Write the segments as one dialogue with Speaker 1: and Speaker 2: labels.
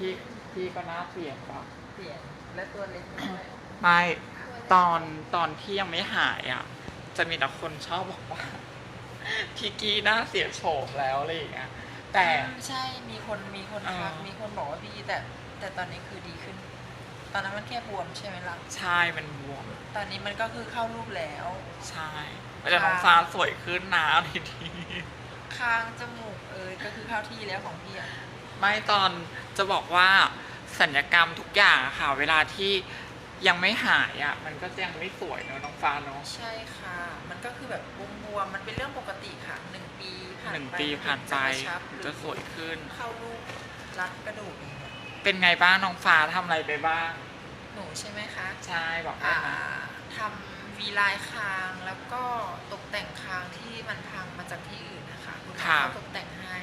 Speaker 1: พี่ก็น่าเปลี่ยนป่ะ
Speaker 2: เปลี่ยนและตัวเล็กด้วย
Speaker 1: ไม่ตอนที่ยังไม่หายอ่ะจะมีแต่คนชอบบอกว่าพี่กี้น่าเสียโฉมแล้วอะไรอย่างเงี้ยแต่
Speaker 2: ใช่มีคนทักมีคนบอกว่าพี่แต่ตอนนี้คือดีขึ้น ตอนนั้นมันแค่บวมใช่ไหมล่ะ
Speaker 1: ใช่มันบวม
Speaker 2: ตอนนี้มันก็คือเข้ารูปแล้ว
Speaker 1: ใช่แต่น้องฟ้าสวยขึ้นนะทีนี้
Speaker 2: คางจมูกก็คือเข้าที่แล้วของพี่อะ
Speaker 1: ไม่ตอนจะบอกว่าศัลยกรรมทุกอย่างอะค่ะเวลาที่ยังไม่หายอ่ะมันก็ยังไม่สวยเนอะน้องฟ้าเนอะ
Speaker 2: ใช่ค่ะมันก็คือแบบบวมมันเป็นเรื่องปกติค่ะ1 ปีผ่านไป
Speaker 1: ผ่านไปจะสวยขึ้น
Speaker 2: เข้ารูปรัดกระดูกอย่างเงี้ย
Speaker 1: เป็นไงบ้างน้องฟ้าทำอะไรไปบ้าง
Speaker 2: หนูใช่ไหมคะ
Speaker 1: ใช่บอกได้นะ
Speaker 2: ทำวีไลน์คางแล้วก็ตกแต่งคางที่มันพังมาจากที่อื่นนะคะคุณหมอเขาตกแต่งให้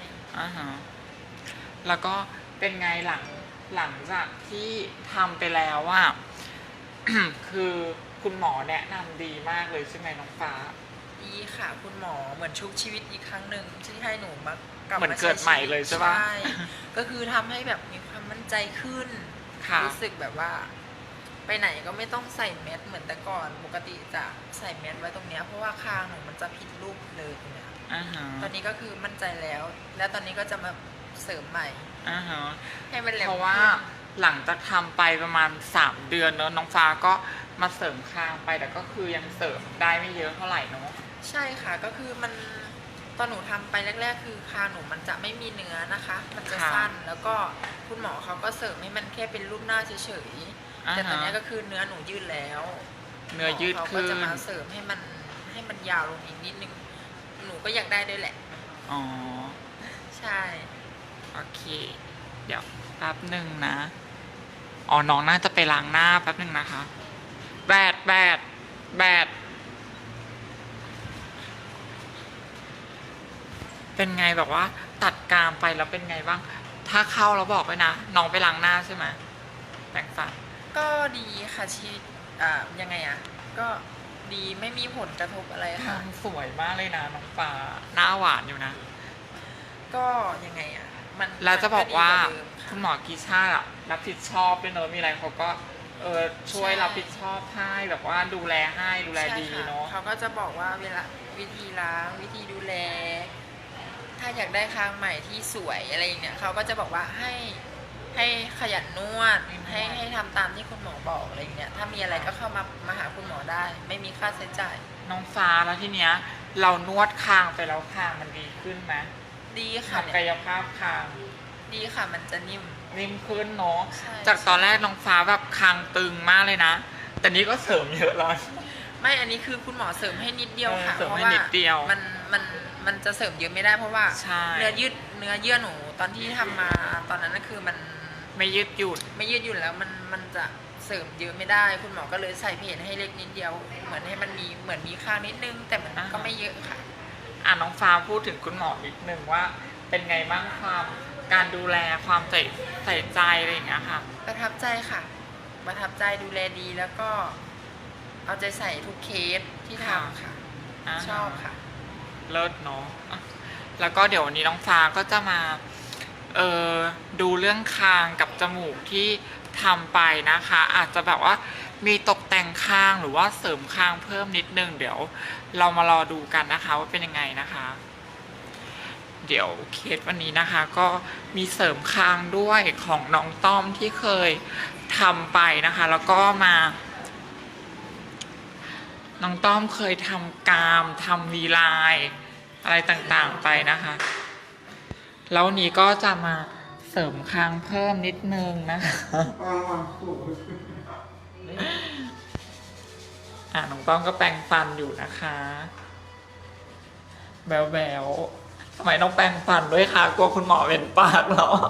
Speaker 1: แล้วก็เป็นไงหลังจากที่ทำไปแล้วว่า คือคุณหมอแนะนำดีมากเลยใช่ไหมน้องฟ้า
Speaker 2: ดีค่ะคุณหมอเหมือนชุบชีวิตอีกครั้งหนึ่งที่ให้หนูมากลับ
Speaker 1: เหมือน
Speaker 2: มา
Speaker 1: เกิดใหม่เลยใช่ปะ
Speaker 2: ใช่ก็คือทำให้แบบมีความมั่นใจขึ้นรู้สึกแบบว่าไปไหนก็ไม่ต้องใส่แมสเหมือนแต่ก่อนปกติจะใส่แมสไว้ตรงเนี้ยเพราะว่าคางหนูมันจะผิดรูปเลยเนี่ยตอนนี้ก็คือมั่นใจแล้วและตอนนี้ก็จะมาเสริมใหม่ให้มันแหลม
Speaker 1: เพราะว่าหลังจากทำไปประมาณ3 เดือนเนอะน้องฟ้าก็มาเสริมคางไปแต่ก็คือยังเสริมได้ไม่เยอะเท่าไหร่เนอะ
Speaker 2: ใช่ค่ะก็คือมันตอนหนูทำไปแรกๆคือคางหนูมันจะไม่มีเนื้อนะคะมันจะสั้นแล้วก็คุณหมอเขาก็เสริมให้มันแค่เป็นรูปหน้าเฉยๆแต่ตอนนี้ก็คือเนื้อหนูยืดแล้ว
Speaker 1: เนื้อยืด
Speaker 2: เขาก็จะมาเสริมให้มันยาวลงอีกนิดนึงหนูก็อยากได้ด้วยแหละ
Speaker 1: อ๋อ
Speaker 2: ใช่
Speaker 1: โอเคเดี๋ยวแป๊บหนึ่งนะอ๋อน้องน่าจะไปล้างหน้าแป๊บหนึ่งนะคะแบดเป็นไงแบบว่าตัดกรามไปแล้วเป็นไงบ้างถ้าเข้าแล้วบอกไว้นะน้องไปล้างหน้าใช่ไหมแปรงฟัน
Speaker 2: ก็ดีค่ะชียังไงก็ดีไม่มีผลกระทบอะไรค่ะ
Speaker 1: สวยมากเลยนะน้องฟ้าหน้าหวานอยู่นะ
Speaker 2: ก็ยังไงมัน
Speaker 1: แล้วจะบอกว่าคุณหมอกีชารับผิดชอบด้วยเนอะมีอะไรเขาก็ช่วยรับผิดชอบให้แบบว่าดูแลดีเนาะ
Speaker 2: เขาก็จะบอกว่าเวลาวิธีล้างวิธีดูแลถ้าอยากได้คางใหม่ที่สวยอะไรอย่างเงี้ยเขาก็จะบอกว่าให้ขยันนวดให้ทำตามที่คุณหมอบอกอะไรอย่างเงี้ยถ้ามีอะไรก็เข้ามาหาคุณหมอได้ไม่มีค่าใช้จ่าย
Speaker 1: น้องฟ้าแล้วทีเนี้ยเรานวดคางไปแล้วคางมันดีขึ้นไหม
Speaker 2: ดีค่ะ
Speaker 1: กายภาพคาง
Speaker 2: ดีค่ะมันจะนิ่ม
Speaker 1: ขึ้นเนาะจากตอนแรกน้องฟ้าแบบคางตึงมากเลยนะแต่นี้ก็เสริมเยอะแล้ว
Speaker 2: ไม่อันนี้คือคุณหมอเสริมให้นิดเดียวค่ะ
Speaker 1: เพราะว่า
Speaker 2: มันจะเสริมเยอะไม่ได้เพราะว่าเนื้อเยื่อหนูตอนที่ทำมาตอนนั้นก็คือมัน
Speaker 1: ไม่ยืดหยุ่น
Speaker 2: แล้วมันจะเสริมเยอะไม่ได้คุณหมอก็เลยใส่เพจให้เล็กนิดเดียวเหมือนให้มันมีเหมือนมีข้างนิดนึงแต่มันก็ไม่เยอะค่ะ
Speaker 1: น้องฟ้าพูดถึงคุณหมอนิดนึงว่าเป็นไงบ้างความการดูแลความใส่ใจอะไรอย่างเงี้ยค่ะ
Speaker 2: ประทับใจค่ะประทับใจดูแลดีแล้วก็เอาใจใส่ทุกเคสที่ทำค่ะชอบค่ะ
Speaker 1: เลิศเนาะแล้วก็เดี๋ยววันนี้น้องฟ้าก็จะมาดูเรื่องคางกับจมูกที่ทำไปนะคะอาจจะแบบว่ามีตกแต่งคางหรือว่าเสริมคางเพิ่มนิดนึงเดี๋ยวเรามารอดูกันนะคะว่าเป็นยังไงนะคะเดี๋ยวเคสวันนี้นะคะก็มีเสริมคางด้วยของน้องต้อมที่เคยทำไปนะคะแล้วก็มาน้องต้อมเคยทำกรามทำวีไลน์อะไรต่างๆไปนะคะแล้วนี้ก็จะมาเสริมคางเพิ่มนิดนึงนะคะน้องต้อมก็แปรงฟันอยู่นะคะแบวทำไมต้องแปรงฟันด้วยคะกลัวคุณหมอเป็นปากเหรอ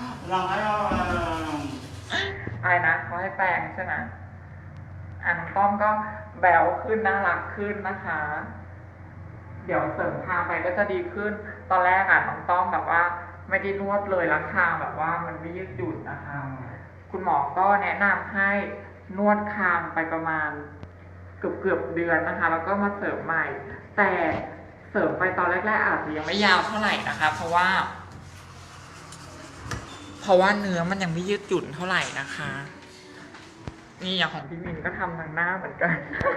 Speaker 1: อะไรนะเขาให้แปรงใช่ไหมน้องต้อมก็แบวขึ้นน่ารักขึ้นนะคะเดี๋ยวเสริมคางไปก็จะดีขึ้นตอนแรกน้องต้อมแบบว่าไม่ได้นวดเลยแล้วคางแบบว่ามันไม่ยืดหยุ่นนะคะคุณหมอก็แนะนำให้นวดคางไปประมาณเกือบเดือนนะคะแล้วก็มาเสริมใหม่แต่เสริมไปตอนแรกๆอาจจะยังไม่ยาวเท่าไหร่นะคะเพราะว่าพราะว่าเนื้อมันยังไม่ยืดหยุ่นเท่าไหร่นะคะ นี่อย่างของพี่มินก็ทำทางหน้าเหมือนกัน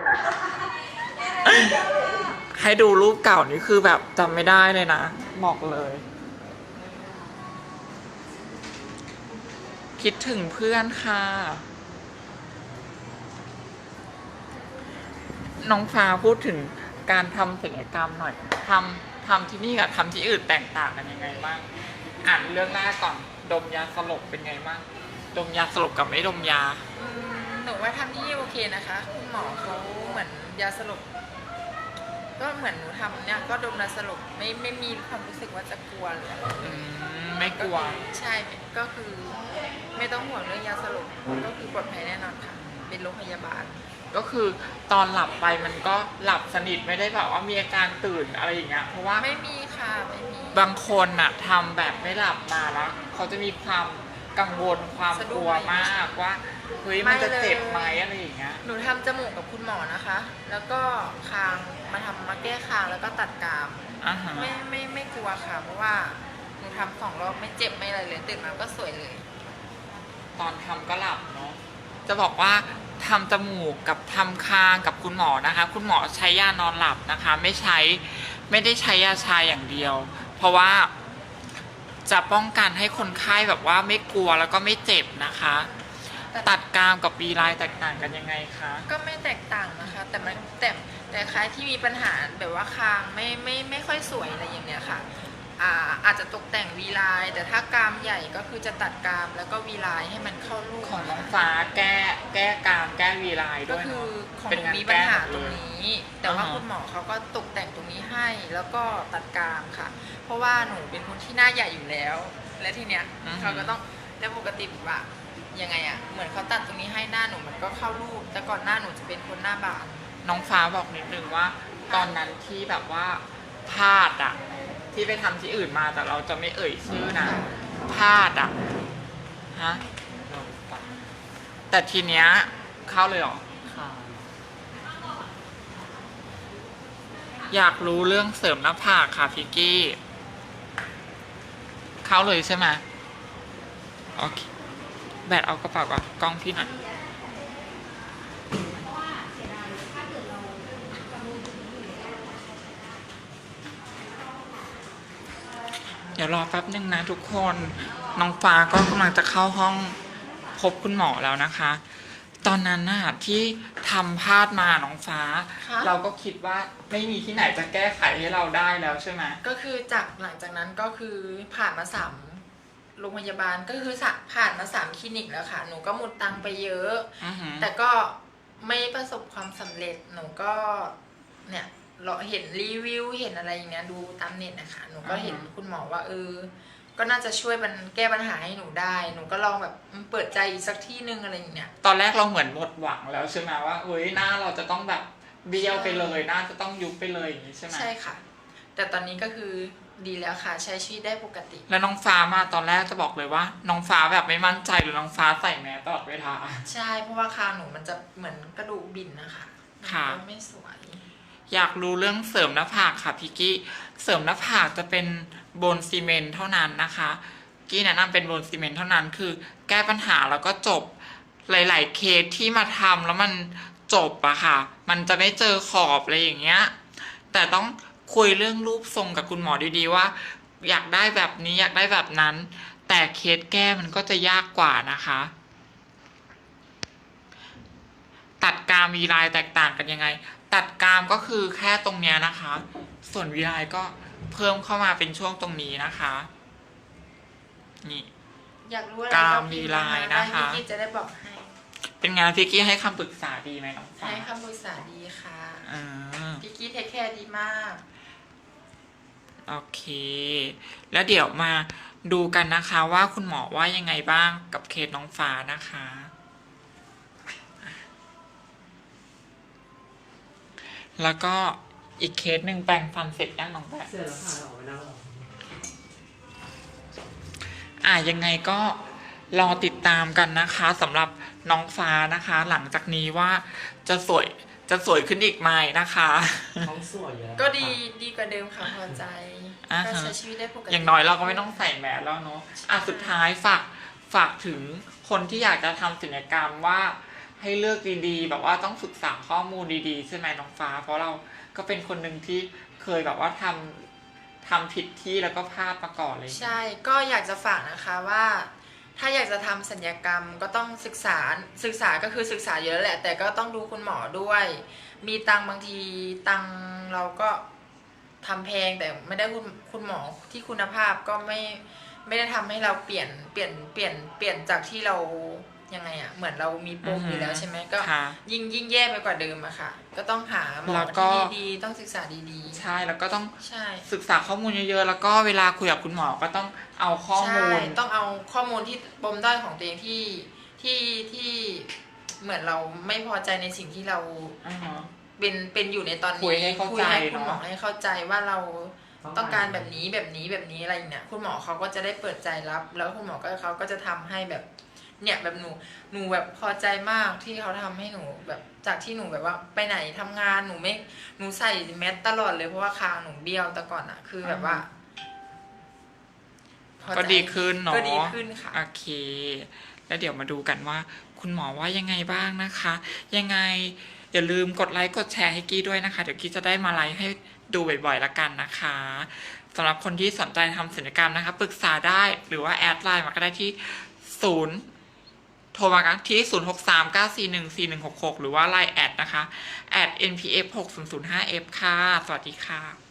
Speaker 1: ให้ดูรูปเก่านี่คือแบบจำไม่ได้เลยนะบอกเลย คิดถึงเพื่อนค่ะ น้องฟ้าพูดถึงการทำศัลยกรรมหน่อยทำที่นี่กับทำที่อื่นแตกต่างกันยังไงบ้างอ่านเรื่องแรกก่อนดมยาสลบเป็นไงบ้างดมยาสลบกับไม่ดมยา
Speaker 2: หนูว่าทำที่นี่โอเคนะคะคุณหมอเขาเหมือนยาสลบก็เหมือนหนูทำเนี่ยก็ดมยาสลบไม่มีความรู้สึกว่าจะกลัวเลย
Speaker 1: ไม่กลัว
Speaker 2: ใช่ก็คือไม่ต้องห่วงเรื่องยาสลบก็คือปลอดภัยแน่นอนค่ะเป็นโรงพยาบาล
Speaker 1: ก็คือตอนหลับไปมันก็หลับสนิทไม่ได้แบบว่ามีอาการตื่นอะไรอย่างเงี้ยเพราะว่า
Speaker 2: ไม่มีค่ะไม่มี
Speaker 1: บางคนน่ะทำแบบไม่หลับมาแล้วเขาจะมีความกังวลความกลัวมากว่าเฮ้ยมันจะเจ็บไหมอะไรอย่างเงี้ย
Speaker 2: หนูทำจมูกกับคุณหมอนะคะ แล้วก็คางมาแก้คางแล้วก็ตัดกราม
Speaker 1: อ่าฮะ
Speaker 2: ไม่กลัวค่ะ เพราะว่าหนูทำ2 รอบไม่เจ็บไม่อะไรเลยตื่นมาก็สวยเลย
Speaker 1: ตอนทำก็หลับเนาะจะบอกว่าทำจมูกกับทำคางกับคุณหมอนะคะ คุณหมอใช้ยานอนหลับนะคะ ไม่ได้ใช้ยาชาอย่างเดียว เพราะว่าจะป้องกันให้คนไข้แบบว่าไม่กลัวแล้วก็ไม่เจ็บนะคะ ตัดกรามกับวีไลน์แตกต่างกันยังไงคะ
Speaker 2: ก็ไม่แตกต่างนะคะ แต่ใครที่มีปัญหาแบบว่าคางไม่ค่อยสวยอะไรอย่างเนี้ยค่ะอาจจะตกแต่งวีไลน์แต่ถ้ากรามใหญ่ก็คือจะตัดกรามแล้วก็วีไลน์ให้มันเข้ารูป
Speaker 1: ของน้องฟ้าแก้กรามแก้วีไลน์
Speaker 2: ก็
Speaker 1: ด้วย
Speaker 2: คือ
Speaker 1: เนาะ
Speaker 2: ของ
Speaker 1: เป็น
Speaker 2: หนู
Speaker 1: งาน
Speaker 2: มีปัญ
Speaker 1: แก้
Speaker 2: หา
Speaker 1: หมด
Speaker 2: ต
Speaker 1: เล
Speaker 2: รง
Speaker 1: ย
Speaker 2: นี้ แต่ว่า
Speaker 1: อ่าฮะ
Speaker 2: คุณหมอเขาก็ตกแต่งตรงนี้ให้ แล้วก็ตัดกรามค่ะ เพราะว่าหนูเป็นคนที่หน้าใหญ่อยู่แล้ว และทีเนี้ยเขาก็ต้องแล้วปกติแบบว่ายังไงอะเหมือนเขาตัดตรงนี้ให้หน้าหนูมันก็เข้ารูปแต่ก่อนหน้าหนูจะเป็นคนหน้าบาน
Speaker 1: น้องฟ้าบอกนิดนึงว่า ตอนนั้นที่แบบว่าพลาดอะที่ไปทำที่อื่นมาแต่เราจะไม่เอ่ยชื่อนะพลาดอะฮะแต่ทีเนี้ยเข้าเลยเหรอ
Speaker 3: ค่ะ
Speaker 1: อยากรู้เรื่องเสริมหน้าผากค่ะพิกกี้ เข้าเลยใช่ไหมโอเคแบตเอากระเป๋าก่อนกล้องพี่หน่อยเดี๋ยวรอแป๊บนึงนะทุกคน น้องฟ้าก็กำลังจะเข้าห้องพบคุณหมอแล้วนะคะ ตอนนั้นน่ะที่ทำพลาดมาน้องฟ้า
Speaker 2: ค่ะ
Speaker 1: เราก็คิดว่าไม่มีที่ไหนจะแก้ไขให้เราได้แล้วใช่ไหม
Speaker 2: ก็คือหลังจากนั้นก็คือผ่านมา3 โรงพยาบาลก็คือผ่านมา3 คลินิกแล้วค่ะ หนูก็หมดตังค์ไปเยอะ
Speaker 1: อือหือ
Speaker 2: แต่ก็ไม่ประสบความสำเร็จ หนูก็เนี่ยเราเห็นรีวิวเห็นอะไรอย่างเงี้ยดูตามเน็ตนะคะ หนูก็เห็นคุณหมอว่าก็น่าจะช่วยมันแก้ปัญหาให้หนูได้ หนูก็ลองแบบเปิดใจอีกสักที่นึงอะไรอย่างเงี้ย
Speaker 1: ตอนแรกเราเหมือนหมดหวังแล้วใช่ไหมว่าเฮ้ยหน้าเราจะต้องแบบเบี้ยวไปเลยหน้าจะต้องยุบไปเลยอย่างนี้ใช่ไหม
Speaker 2: ใช่ค่ะ แต่ตอนนี้ก็คือดีแล้วค่ะ ใช้ชีวิตได้ปกติ
Speaker 1: แล้วน้องฟ้ามาตอนแรกจะบอกเลยว่า น้องฟ้าแบบไม่มั่นใจหรือน้องฟ้าใส่แมสตลอดเวลา
Speaker 2: ใช่เพราะว่าคางหนูมันจะเหมือนกระดูกบินนะคะ
Speaker 1: ค่ะ
Speaker 2: มันก็ไม่สวย
Speaker 1: อยากรู้เรื่องเสริมหน้าผากค่ะพี่กี้เสริมหน้าผากจะเป็นโบนซีเมนต์เท่านั้นนะคะกี้แนะนำเป็นโบนซีเมนต์เท่านั้นคือแก้ปัญหาแล้วก็จบหลายๆเคสที่มาทำแล้วมันจบอะค่ะ มันจะไม่เจอขอบอะไรอย่างเงี้ยแต่ต้องคุยเรื่องรูปทรงกับคุณหมอดีๆว่า อยากได้แบบนี้อยากได้แบบนั้น แต่เคสแก้มันก็จะยากกว่านะคะ ตัดกรามวีไลน์แตกต่างกันยังไง ตัดกรามก็คือแค่ตรงเนี้ยนะคะ ส่วนวีไลน์ก็เพิ่มเข้ามาเป็นช่วงตรงนี้นะคะ นี่
Speaker 2: อยากรู้อะไร
Speaker 1: กราม
Speaker 2: พิ
Speaker 1: มี
Speaker 2: พ์
Speaker 1: ลายนะคะ
Speaker 2: ได้พี่จะได้บอกให้
Speaker 1: เป็นไงพี่กี้ให้คำปรึกษาดีไหมน้องฟ้า
Speaker 2: ให้คำปรึกษาดีค่ะ
Speaker 1: อ่า
Speaker 2: พี่กี้เทคแคร์ดีมาก
Speaker 1: โอเค แล้วเดี๋ยวมาดูกันนะคะว่าคุณหมอว่ายังไงบ้างกับเคสน้องฟ้านะคะ แล้วก็อีกเคสหนึ่งแปรงฟันเสร็จยังน้องแปะ
Speaker 3: เสร็จแล้วค่ะเราออกไปนั่งรอ
Speaker 1: ยังไงก็รอติดตามกันนะคะสำหรับน้องฟ้านะคะ หลังจากนี้ว่าจะสวยขึ้นอีกไหมนะคะ
Speaker 3: ท้องสวยอยู่แล้ว
Speaker 2: ก็ดีกว่าเดิมค่ะพอใจ
Speaker 1: อ่าฮะ
Speaker 2: ก็ใช้ชีวิตได้ปกติ
Speaker 1: อย่างน้อยเราก็ไม่ต้องใส่แมสแล้วเนาะสุดท้ายฝฝากถึงคนที่อยากจะทำศัลยกรรมว่าให้เลือกดีๆแบบว่าต้องศึกษาข้อมูลดีๆใช่ไหมน้องฟ้า เพราะเราก็เป็นคนหนึ่งที่เคยแบบว่าทำผิดที่แล้วก็พลาดมาก่อนเลย
Speaker 2: ใช่ก็อยากจะฝากนะคะว่าถ้าอยากจะทำศัลยกรรมก็ต้องศึกษาก็คือศึกษาเยอะแหละ แต่ก็ต้องดูคุณหมอด้วย มีตังค์บางทีตังค์เราก็ทำแพงแต่ไม่ได้คุณหมอที่คุณภาพก็ไม่ได้ทำให้เราเปลี่ยนจากที่เรายังไงอะเหมือนเรามีปมอยู่แล้วใช่ไหมก็
Speaker 1: ค่ะ
Speaker 2: ยิ่งแย่ไปกว่าเดิมอะค่ะ ก็ต้องหาหมอ
Speaker 1: แล้วก็
Speaker 2: ที่ดีๆต้องศึกษาดีๆ
Speaker 1: ใช่แล้วก็ต้อง
Speaker 2: ใช่
Speaker 1: ศึกษาข้อมูลเยอะๆแล้วก็เวลาคุยกับคุณหมอก็ต้องเอาข้อมูล
Speaker 2: ใช่ต้องเอาข้อมูลที่ปมด้อยของตัวเองที่เหมือนเราไม่พอใจในสิ่งที่เรา
Speaker 1: อ่าฮะ
Speaker 2: เป็นอยู่ในตอนนี้
Speaker 1: คุยให้เข้าใจ
Speaker 2: ให้คุณหมอ
Speaker 1: เนอะ
Speaker 2: ให้เข้าใจว่าเราต้องการแบบนี้อะไรอย่างเงี้ยคุณหมอเขาก็จะได้เปิดใจรับ แล้วคุณหมอก็เขาก็จะทำให้แบบเนี่ยแบบหนูแบบพอใจมากที่เขาทำให้หนูแบบจากที่หนูแบบว่าไปไหนทำงานหนูใส่แมสตลอดเลยเพราะว่าคางหนูเบี้ยวแต่ก่อนอะคือแบบว่าพอใจ
Speaker 1: ก็ดีขึ้นเนาะ
Speaker 2: ก็ดีขึ้นค่ะ
Speaker 1: โอเค แล้วเดี๋ยวมาดูกันว่า คุณหมอว่ายังไงบ้างนะคะ ยังไงอย่าลืมกดไลค์กดแชร์ให้กี้ด้วยนะคะ เดี๋ยวกี้จะได้มาไลค์ให้ดูบ่อยๆละกันนะคะสำหรับคนที่สนใจทำศัลยกรรมนะคะปรึกษาได้หรือว่าแอดไลน์มาก็ได้ที่โทรมากันที่0639414166หรือว่าไลน์แอดนะคะแอด npf6005f ค่ะสวัสดีค่ะ